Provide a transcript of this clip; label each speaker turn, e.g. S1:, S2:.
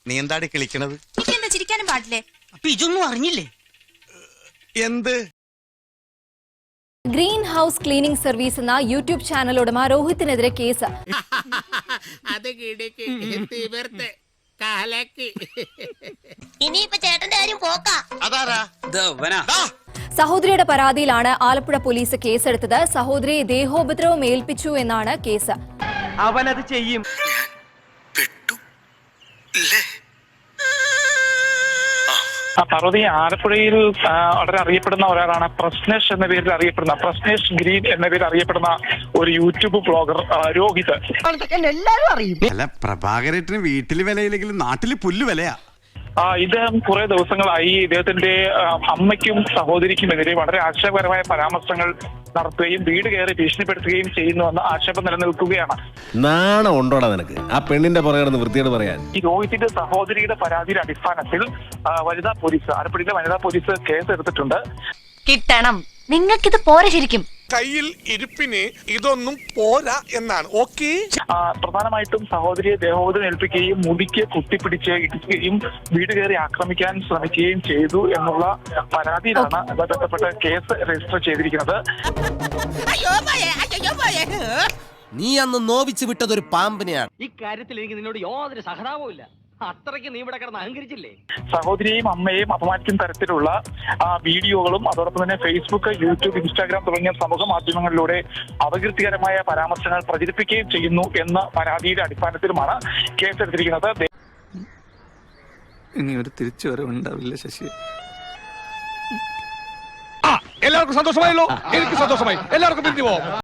S1: നീ എന്താടി കിളിക്കണത്?
S2: എന്താ ചിരിക്കാനും പാടില്ലേ?
S3: അപ്പൊ ഇതൊന്നും അറിഞ്ഞില്ലേ?
S1: എന്ത്?
S4: ഗ്രീൻ ഹൗസ് ക്ലീനിംഗ് സർവീസ് എന്ന യൂട്യൂബ് ചാനൽ ഉടമ രോഹിത്തിനെതിരെ കേസ്.
S2: ഇനിയിപ്പോ ചേട്ടന്റെ കാര്യം പോക്കാ.
S4: സഹോദരിയുടെ പരാതിയിലാണ് ആലപ്പുഴ പോലീസ് കേസെടുത്തത്. സഹോദരിയെ ദേഹോപദ്രവം ഏൽപ്പിച്ചു എന്നാണ് കേസ്.
S3: അവനത് ചെയ്യും.
S5: പാർവതി ആലപ്പുഴയിൽ വളരെ അറിയപ്പെടുന്ന ഒരാളാണ് പ്രശ്നേഷ് എന്ന പേരിൽ അറിയപ്പെടുന്ന പ്രശ്നേഷ് ഗ്രീൻ എന്ന പേരിൽ അറിയപ്പെടുന്ന ഒരു യൂട്യൂബ് ബ്ലോഗർ രോഹിത്.
S3: എല്ലാരും അറിയും.
S1: അല്ല, പ്രഭാകരേട്ടന് വീട്ടില് വിലയില്ലെങ്കിലും നാട്ടില് പുല്ല് വിലയാ.
S5: ഇദ്ദേഹം കുറെ ദിവസങ്ങളായി ഇദ്ദേഹത്തിന്റെ അമ്മയ്ക്കും സഹോദരിക്കുമെതിരെ വളരെ ആക്ഷേപകരമായ പരാമർശങ്ങൾ നടത്തുകയും വീട് കയറി ഭീഷണിപ്പെടുത്തുകയും ചെയ്യുന്നുവെന്ന ആക്ഷേപം നിലനിൽക്കുകയാണ്.
S6: നാണം ഉണ്ടോടാ നിനക്ക് ആ പെണ്ണിന്റെ പുറകെ വൃത്തിയോട് പറയാൻ?
S5: ഈ രോഹിത്തിന്റെ സഹോദരിയുടെ പരാതിയുടെ അടിസ്ഥാനത്തിൽ വനിതാ പോലീസ്, ആലപ്പുഴയിലെ വനിതാ പോലീസ് കേസ് എടുത്തിട്ടുണ്ട്.
S2: കിട്ടണം, നിങ്ങൾക്കിത് പോരെ. ശരിക്കും
S7: കയ്യിൽ ഇരിപ്പിന് ഇതൊന്നും പോരാ എന്നാണ്. ഓക്കെ,
S5: പ്രധാനമായിട്ടും സഹോദരിയെ ദേഹോപദ്രവം ഏൽപ്പിക്കുകയും മുടിക്ക് കുത്തിപ്പിടിച്ച് ഇടിക്കുകയും വീട് കയറി ആക്രമിക്കാൻ ശ്രമിക്കുകയും ചെയ്തു എന്നുള്ള പരാതിയിലാണ് ബന്ധപ്പെട്ട കേസ് രജിസ്റ്റർ ചെയ്തിരിക്കുന്നത്.
S6: നീ അന്ന് നോവിച്ച് വിട്ടതൊരു പാമ്പിനെയാണ്.
S3: ഈ കാര്യത്തിൽ എനിക്ക് നിന്നോട് യാതൊരു സഹതാപവും ഇല്ല. അത്രയ്ക്ക് നീ ഇവിടെ കിടന്ന് അഹങ്കരിച്ചില്ലേ?
S5: സഹോദരിയെയും അമ്മയെയും അപമാനിക്കുന്ന തരത്തിലുള്ള വീഡിയോകളും അതോടൊപ്പം തന്നെ ഫേസ്ബുക്ക്, യൂട്യൂബ്, ഇൻസ്റ്റാഗ്രാം തുടങ്ങിയ സമൂഹ മാധ്യമങ്ങളിലൂടെ അപകീർത്തികരമായ പരാമർശങ്ങൾ പ്രചരിപ്പിക്കുകയും ചെയ്യുന്നു എന്ന പരാതിയുടെ അടിസ്ഥാനത്തിലുമാണ് കേസെടുത്തിരിക്കുന്നത്.
S8: ഇനി ഒരു തിരിച്ചുവരവുണ്ടാവില്ല ശശി.
S7: എല്ലാവർക്കും സന്തോഷമായല്ലോ? എനിക്ക് സന്തോഷമായി. എല്ലാവർക്കും പിരിഞ്ഞു പോവാം.